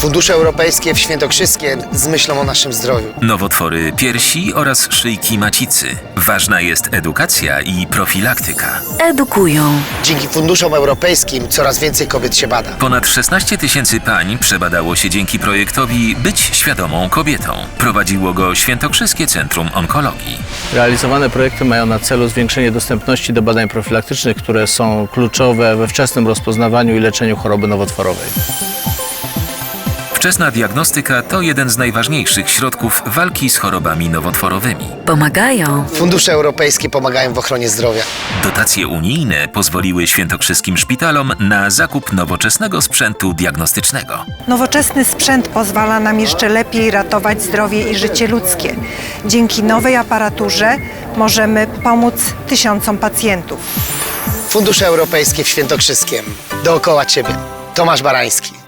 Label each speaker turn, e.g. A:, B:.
A: Fundusze europejskie w Świętokrzyskiem z myślą o naszym zdrowiu.
B: Nowotwory piersi oraz szyjki macicy. Ważna jest edukacja i profilaktyka.
C: Edukują.
A: Dzięki funduszom europejskim coraz więcej kobiet się bada.
B: Ponad 16 000 pań przebadało się dzięki projektowi Być świadomą kobietą. Prowadziło go Świętokrzyskie Centrum Onkologii.
D: Realizowane projekty mają na celu zwiększenie dostępności do badań profilaktycznych, które są kluczowe we wczesnym rozpoznawaniu i leczeniu choroby nowotworowej.
B: Wczesna diagnostyka to jeden z najważniejszych środków walki z chorobami nowotworowymi.
C: Pomagają.
A: Fundusze europejskie pomagają w ochronie zdrowia.
B: Dotacje unijne pozwoliły świętokrzyskim szpitalom na zakup nowoczesnego sprzętu diagnostycznego.
E: Nowoczesny sprzęt pozwala nam jeszcze lepiej ratować zdrowie i życie ludzkie. Dzięki nowej aparaturze możemy pomóc tysiącom pacjentów.
A: Fundusze europejskie w Świętokrzyskiem. Dookoła Ciebie. Tomasz Barański.